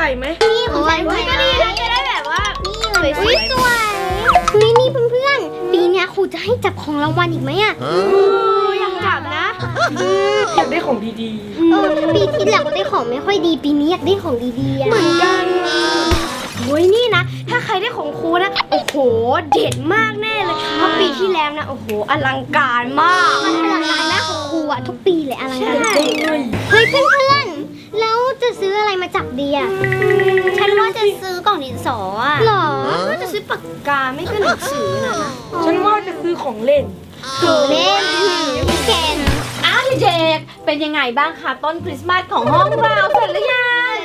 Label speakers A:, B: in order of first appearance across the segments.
A: ส่ไหม
B: นี่ของฉันก็ดีนะจะได้แบบว่านี่สวยๆสวยนี่เพื่อนๆปีนี้ครูจะให้จับของรางวัลอีกไหมอ่ะ
A: อยากจับนะอยากได้ของดี
B: ปีที่แล้วก็ได้ของไม่ค่อยดีปีนี้อยากได้ของดีๆ
A: เหมือนกันโอ้ยนี่นะถ้าใครได้ของครูนะโอ้โหเด็ดมากแน่เลยเพราะปีที่แล้วนะโอ้โหอลังการมาก
B: มันอลังการมากของครูอะทุกปีเลยอลังการ
A: เฮ้ย
B: เพื่อนๆแล้วจะซื้ออะไรมาจับดีอะฉันว่าจะซื้อกล่องดินสออะหรอ
A: ว่าจะซื้อปากกาไม่ก็หนังสือนะฉันว่าจะซื้อของเล่น
B: เล่นเกน
C: เด็กๆเป็นยังไงบ้างคะต้นคริสต์มาสของห้องเราเสร็จหรือยัง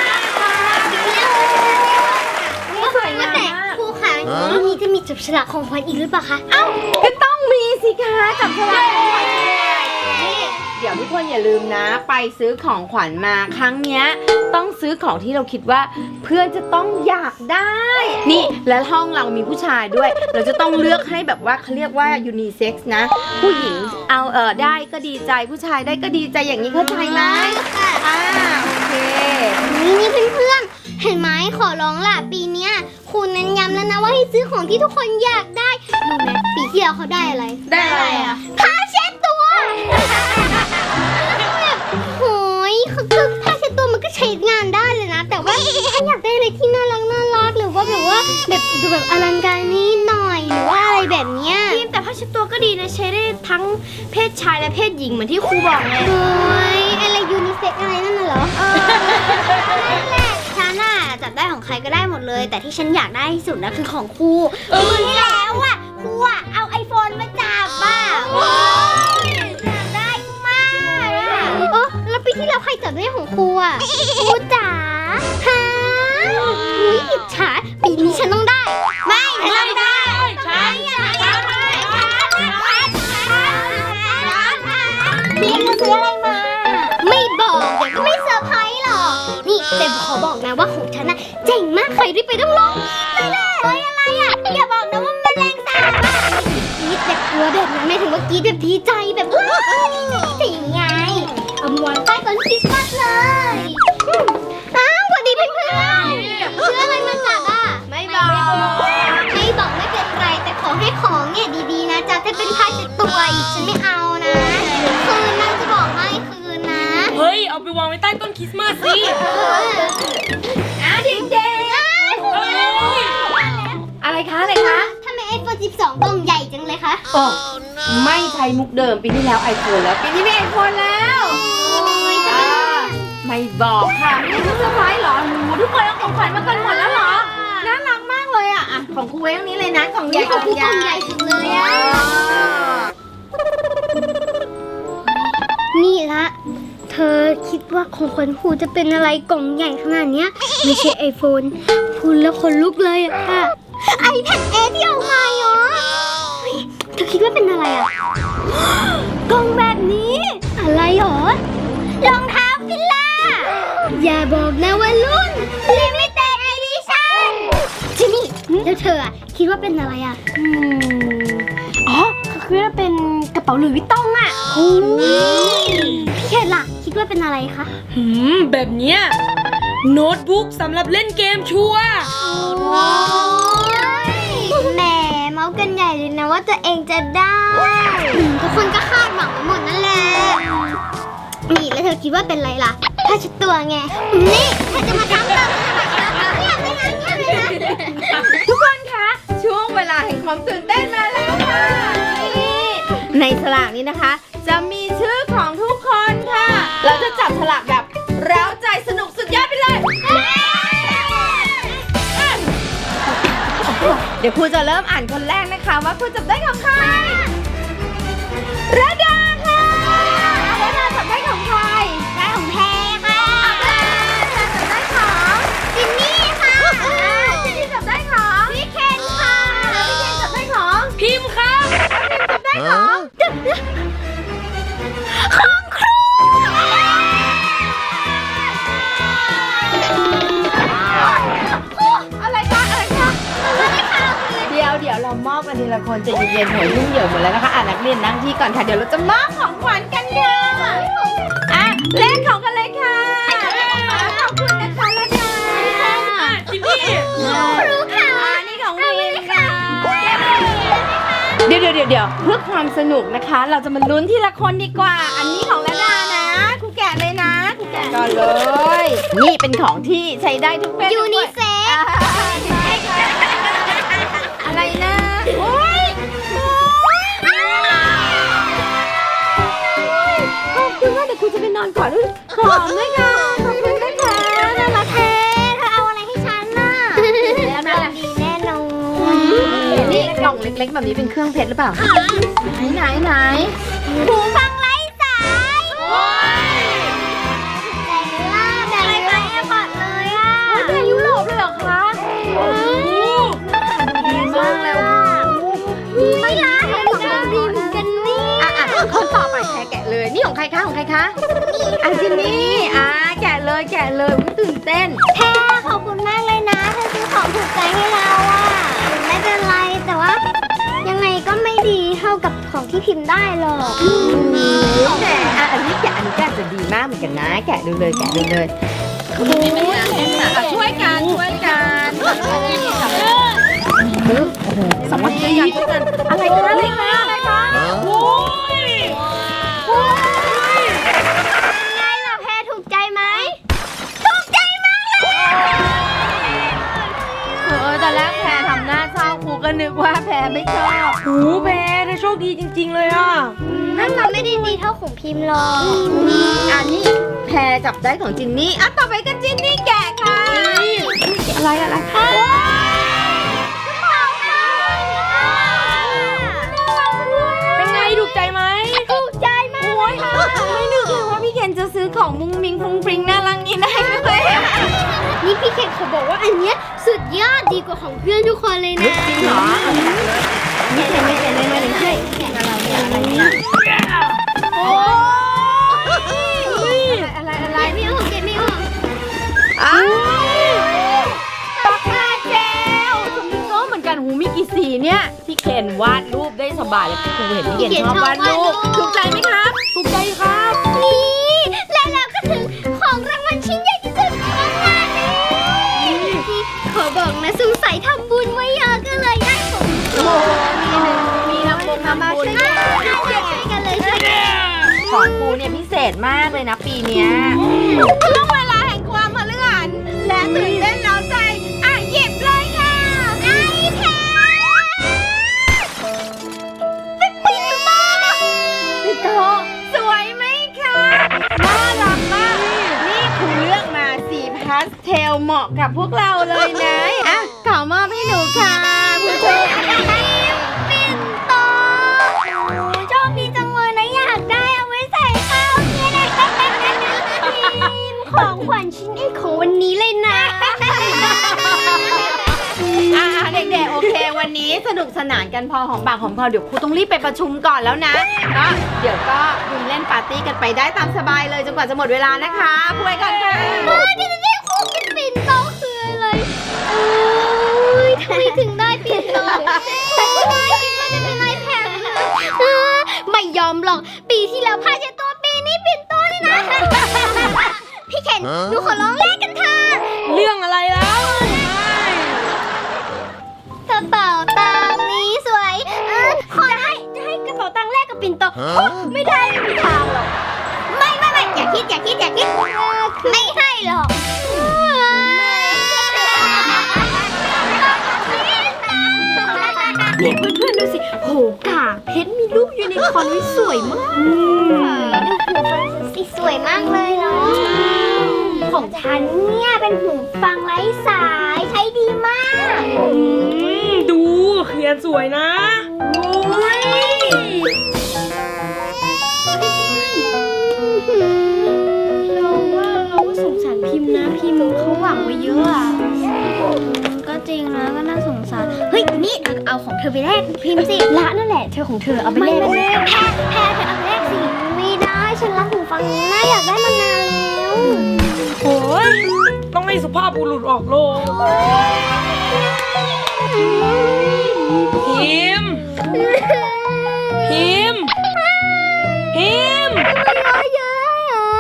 B: สวยมากแต่ครูคะวันนี้จะมีจับฉลากของขวัญอีกหรือเปล่าคะ
C: เอ้าก็ต้องมีสิคะจับฉลากของขวัญเดี๋ยวทุกคนอย่าลืมนะไปซื้อของขวัญมาครั้งเนี้ยต้องซื้อของที่เราคิดว่าเพื่อนจะต้องอยากได้นี่และห้องเรามีผู้ชายด้วยเราจะต้องเลือกให้แบบว่าเขาเรียกว่ายูนิเซ็กซ์นะผู้หญิงเอาได้ก็ดีใจผู้ชายได้ก็ดีใจอย่างนี้เข้าใจไหมโอเค
B: นี่เพื่อนๆเห็นไหมขอร้องล่ะปีเนี้ยครูเน้นย้ำแล้วนะว่าให้ซื้อของที่ทุกคนอยากได้รู้ไหมปีที่แล้วเขาได้อะไร
A: ได้อะไรอ่ะ
B: ผ้าเช็ดตัวโอ้ยคือผ้าเช็ดตัวมันก็ใช้งานได้เลยนะแต่ว่าถ้าอยากได้อะไรที่น่ารักหรือว่าแบบว่าแบบดูแบบอลังการนิดหน่อยหรือว่าอะไรแบบเนี้ย
A: แต่ผ้าเช็ดตัวก็ดีนะใช้ได้ทั้งเพศชายและเพศหญิงเหมือนที่ครูบอกไง
B: โอ้ยอะไรยูนิเซ็กอะไรนั่นน่ะเหรอนั่นแหละฉันน่ะจับได้ของใครก็ได้หมดเลยแต่ที่ฉันอยากได้ที่สุดนะคือของครูที่แล้วอ่ะครูอ่ะเอาไอโฟนมาจับอ่ะอยากได้มากแล้วปีที่แล้วใครจับได้ของครูอ่ะครูจ๋าฮะอุ้ยอิจฉาปีนี้ฉันต้องได้ไม่ฉันต้องได้พี่จะซื้ออะไรมาไม่บอกเดี๋ยวก็ไม่เซอร์ไพรส์หรอกนี่แต่ขอบอกนะว่าของฉันน่ะเจ๋งมากใครรีบไปต้องลองนี่แหละเฮ้ยอะไรอ่ะอย่าบอกนะว่ามันแรงสาบอ่ะกรี๊ดแบบกลัวแบบนั้นไม่ถึงว่ากรี๊ดแบบดีใจแบบว้าวดีใจไงเอามวนใต้ต้นคริสต์มาสเลยสวัสดีเพื่อนๆซื้ออะไรมาจับอ่ะ
A: ไม่บอก
B: ไม่เป็นไรแต่ขอให้ของเนี่ยดีๆนะจ๊ะถ้าเป็นผ้าเช็ดตัวอีกฉันไม่เอานะคืนนะจะบอกให้คืนนะ
A: เฮ้ยเอาไปวางไว้ใต้ต้นคริสต์มาสสิ
C: เด็กๆอะไรคะ
B: ทำไมiPhone 12กล่องใหญ่จังเลยคะ
C: ไม่ใช้มุกเดิมปีที่แล้ว iPhone แล้วปีนี้ไม่ iPhone แล้วไม่บอกค่ะไม่ได้เซอร์ไพรส์หรอทุกคนเอาของขวัญมากันหมดแล้วหรอน่ารักมากเลยอ่ะของครูไว้ตรงนี้เลยนะกล่องใหญ่
B: กล่องใหญ่สุดเลยอ่ะนี่ละเธอคิดว่าของขวัญครูจะเป็นอะไรกล่องใหญ่ขนาดเนี้ยไม่ใช่ไอโฟนพูดแล้วขนลุกเลยอะค่ะiPad Air ที่เอามาเหรอเธอคิดว่าเป็นอะไรอะกล่องแบบนี้อะไรหรอรองเท้าฟิลล่าอย่าบอกนะว่ารุ่น Limited Edition จิมี่แล้วเธออะคิดว่าเป็นอะไรอะ
A: คือว่าเป็นกระเป๋าหลุยส์วิตตองอ่ะ
B: พี่เขตล่ะคิดว่าเป็นอะไรคะ
A: แบบเนี้ยโน้ตบุ๊กสำหรับเล่นเกมชัวร์
B: แหมเมาส์กันใหญ่เลยนะว่าตัวเองจะได้ทุกคนก็คาดหวังไปหมดนั่นแหละนี่แล้วเธอคิดว่าเป็นอะไรล่ะผ้าเช็ดตัวไงนี่เธอจะมาทำแบบ
C: ทุกคนคะช่วงเวลาแห่งความตื่นเต้นมาแล้วค่ะในฉลากนี้นะคะจะมีชื่อของทุกคนค่ะเราจะจับฉลากแบบเร้าใจสนุกสุดยอดไปเลยเดี๋ยวครูจะเริ่มอ่านคนแรกนะคะว่าครูจับได้ของใครระดาค่ะระดาจับได้ของใคร
B: ได้ของแพรค่ะ
C: จับได้ของ
B: จินนี่ค่ะ
C: จินนี่จับได้ของ
B: พี่เคนค่ะ
C: พี่เคนจับได้ของ
A: พิมพ์ค่ะ
C: จับได้ของ
B: ครู
C: อะไรคะเดี๋ยวเรามอบกันทีละคนจะเย็นๆหัวยุ่งเหยิงหมดแล้วนะคะนักเรียนนั่งที่ก่อนค่ะเดี๋ยวเราจะมอบของขวัญกันค่ะเล่นของกันเลยค่ะขอบคุณนะคะระดาเดี๋ยวเพื่อความสนุกนะคะ เราจะมาลุ้นทีละคนดีกว่า อันนี้ของละดานะครูแกะเลยนะครูแกะก่อนเลย นี่เป็นของที่ใช้ได้ทุกเพศ
B: ยูนิเซ็ก
C: อะไรนะโอ้ยขอบคุณมากเดี๋ยวครูจะไปนอนก่อนด้วยหอมด้วยค่ะขอบคุณนะคะน่ารัก
B: เธอเอาอะไรให้ฉันน่ะดีแน่นอน
C: นี่กล่องเล็กๆแบบนี้เป็นเครื่องเพชรหรือเปล่าไหน
B: หูฟังไร้สายแต่เนื้อแบบไปแอร์พอร์ตเลยอ่ะ
C: แต่ยุโรปเลยเหรอคะโอ้โหดีมากเลย
B: ไม่ล่ะของดีเหมือนกันนี่
C: คนต่อไปแกะเลยนี่ของใครคะจินนี่แกะเลยตื่นเต้น
B: แพรขอบคุณมากเลยนะเธอซื้อของถูกใจให้เราอ่ะไม่เป็นไรแต่ว่ายังไงก็ไม่ดีเท่ากับของที่พิมพ์ได้หรอก
C: แต่อันนี้แกะจะดีมากเหมือนกันนะแกะดูเลยช่วยกันสมัครใจกันช่วยกันอะไรคะโอ้ย
B: ไงล่ะแพรถูกใจไหมถูกใจมากเลย
C: ตอนแรกแพรทำหน้าเศร้าครูก็นึกว่าแพรไม่ชอบโอ้แพรได้โชคดีจริงๆเลยอ่ะ
B: นั่นมันไม่ได้ดีเท่าของพิมพ์หรอก
C: อันนี้แพรจับได้ของจินนี่ต่อไปก็จินนี่แกะค่ะอะไรเป็นไงถูกใจไหม
B: ถูกใจมากเลยค่ะ
C: ไม่นึกเลยว่าพี่เคนจะซื้อของมุ้งมิ้งฟรุ้งฟริ้งน่ารักนี่ได้เลย
B: นี่พี่เคนเขาบอกว่าอันเนี้ยสุดยอดดีกว่าของเพื่อนทุกคนเลยนะ
C: จริงเหรอไม่ใช่อะไรเนี่ยโอ้ยอะไร
B: ไม่ออกเก็บไม่ออก
C: ปากกาเจลสมิงโก้เหมือนกันหูมีกี่สีเนี่ยพี่เคนวาดรูปได้สบายเลยครูเห็นพี่เคนชอบวาดรูปถูกใจไหมครับถูกใจครับ
B: นี่และแล้วก็ถึงของรางวัลชิ้นใหญ่ที่สุดของงานนี้ขอบอกนะสงสัยทำบุญไว้เยอะก็เลยได้ของ
C: โอ้มีน้ำบุญ
B: ช่วยกันเลยช่วยกัน
C: ของครูเนี่ยพิเศษมากเลยนะปีเนี้ยช่วงเวลาแห่งความมหัศจรรย์และตื่นเต้นเร้าใจหยิบเลยค่ะ
B: ไอ้แพร
C: พี่โตสวยไหมคะน่ารักมากนี่ครูเลือกมาสีพาสเทลเหมาะกับพวกเราเลยนะขอมอบให้หนูค่ะผู้ชม
B: ปิ่นโตโชคดีจังเลยนะอยากได้เอาไว้ใส่ข้าวเนี่ยนะพิมพ์ของขวัญชิ้นเอกของวันนี้เลยนะ
C: เด็กๆโอเควันนี้สนุกสนานกันพอหอมปากหอมคอเดี๋ยวครูต้องรีบไปประชุมก่อนแล้วนะแล้วเดี๋ยวก็คุณเล่นปาร์ตี้กันไปได้ตามสบายเลยจนกว่าจะหมดเวลานะคะพูดกันค่ะ
B: ที่จะได้คู่กินปิ่นโตคืออะไรทำไมถึงได้ปิ่นโตคิดว่าจะเป็นไอแพดไม่ยอมหรอกปีที่แล้วพาเจตัวปีนี้ปิ่นโตนี่นะพี่เคนหนูขอร้องแลกกันเถอะ
C: เรื่องอะไรแล้ว
B: กระเป๋าตังค์นี้สวยขอให้กระเป๋าตังค์แลกกับปิ่นโตไม่ได้ไม่มีทางหรอกไม่อย่าคิดไม่ให้หรอก
A: เนี่ยเพื่อนๆดูสิโหกากเพชรมีรูปยูนิคอร์นไว้สวยมาก
B: ดูหูฟังสิสวยมากเลยเนาะของฉันเนี่ยเป็นหูฟังไร้สายใช้ดีมาก
A: ดูเขียนสวยนะเราก็สงสารพิมพ์นะพิมพ์เขาหวังไว้เยอะอะ
B: ก็จริงนะก็น่าสงสารเฮ้ยนี่เอาของเธอไปแลกพิมพ์สิ
A: ละนั่นแหละเธอของเธอเอาไป
B: ไม่
A: เล่น
B: แพ้เธอเอาไปแลกสิไม่ได้ฉันรักหูฟังนี้นะอยากได้มานานแล้ว
A: โอ้ยต้องให้สุภาพบุรุษออกโลกพิมพ์พิมพ์พิมพ์
B: เยอะเหรอ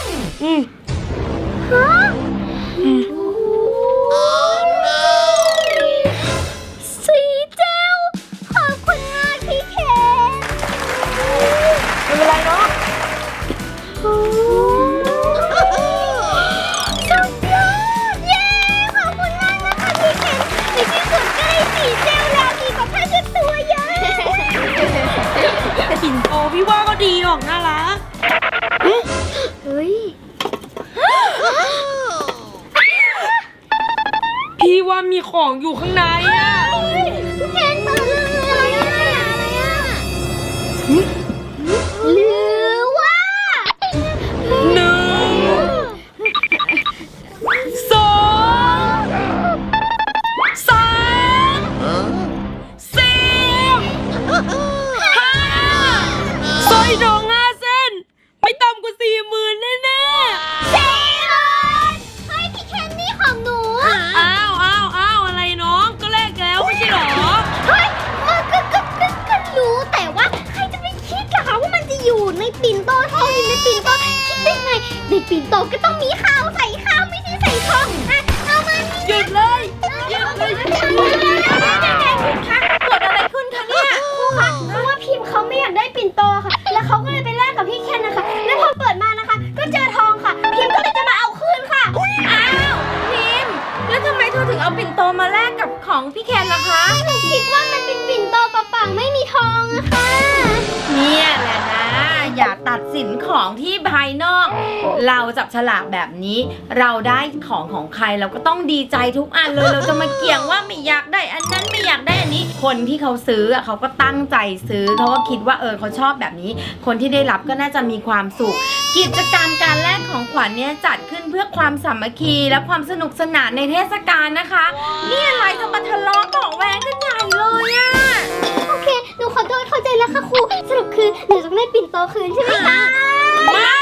B: ฮะสีเจลขอบคุณมากพี่เคน
C: พี่ว่ามีของอยู่ข้างในอะ
B: พี่เคนเปิดเลยอะไรอะหรือว่า
C: 1 2 3 4 5สร้อยทอง5 เส้น ไม่ต่ำกว่า 40,000 แน่ๆ
B: เฮ้ยพี่เคนนี่ของหนู
C: อ้าวอะไรน้องก็แลกแล้วไม่ใช่หรอ
B: เฮ้ยก็รู้แต่ว่าใครจะไปคิดล่ะคะว่ามันจะอยู่ในปิ่นโตทองอยู่ในปิ่นโตคิดได้ไงในปิ่นโตก็ต้องมีข้าวใส่ข้าวไม่ใช่ใส่ทองอ่ะเอามานี่
C: หยุดเลยเกิดอะไรขึ้นคะเนี่ย
A: ครูคะเพราะว่าพิมพ์เขาไม่อยากได้ปิ่นโตค่ะ แล้วเขาก็เลยไปแลกกับพี่เคนนะคะ แล้วพอเปิดมานะคะ ก็เจอทองค่ะ พิมพ์ก็เลยจะมาเอาคืนค่ะ
C: อ้าวพิมพ์แล้วทำไมเธอถึงเอาปิ่นโตมาแลกกับของพี่แคนล่ะคะ
B: หนูคิดว่ามันเป็นปิ่นโตเปล่าๆไม่มีทองอะค่ะ
C: เนี่ยแหละนะ อย่าตัดสินของที่ภายนอก เราจับฉลากแบบนี้ เราได้ของใครเราก็ต้องดีใจทุกอันเลย เราจะมาเกี่ยงว่าไม่อยากได้อันนั้นไม่อยากได้อันนี้ คนที่เขาซื้ออะเขาก็ตั้งใจซื้อเขาก็คิดว่าเขาชอบแบบนี้ คนที่ได้รับก็น่าจะมีความสุข กิจกรรมการแลกของขวัญเนี่ยจัดขึ้นเพื่อความสามัคคีและความสนุกสนานในเทศกาลนะคะ นี่อะไรจะมาทะเลาะเบาะแว้งกันใหญ่เลยอะ
B: โอเค หนูขอโทษเข้าใจแล้วค่ะครู สรุปคือหนูต้องได้ปิ่นโตคืนใช่ไหมคะ
C: ไม่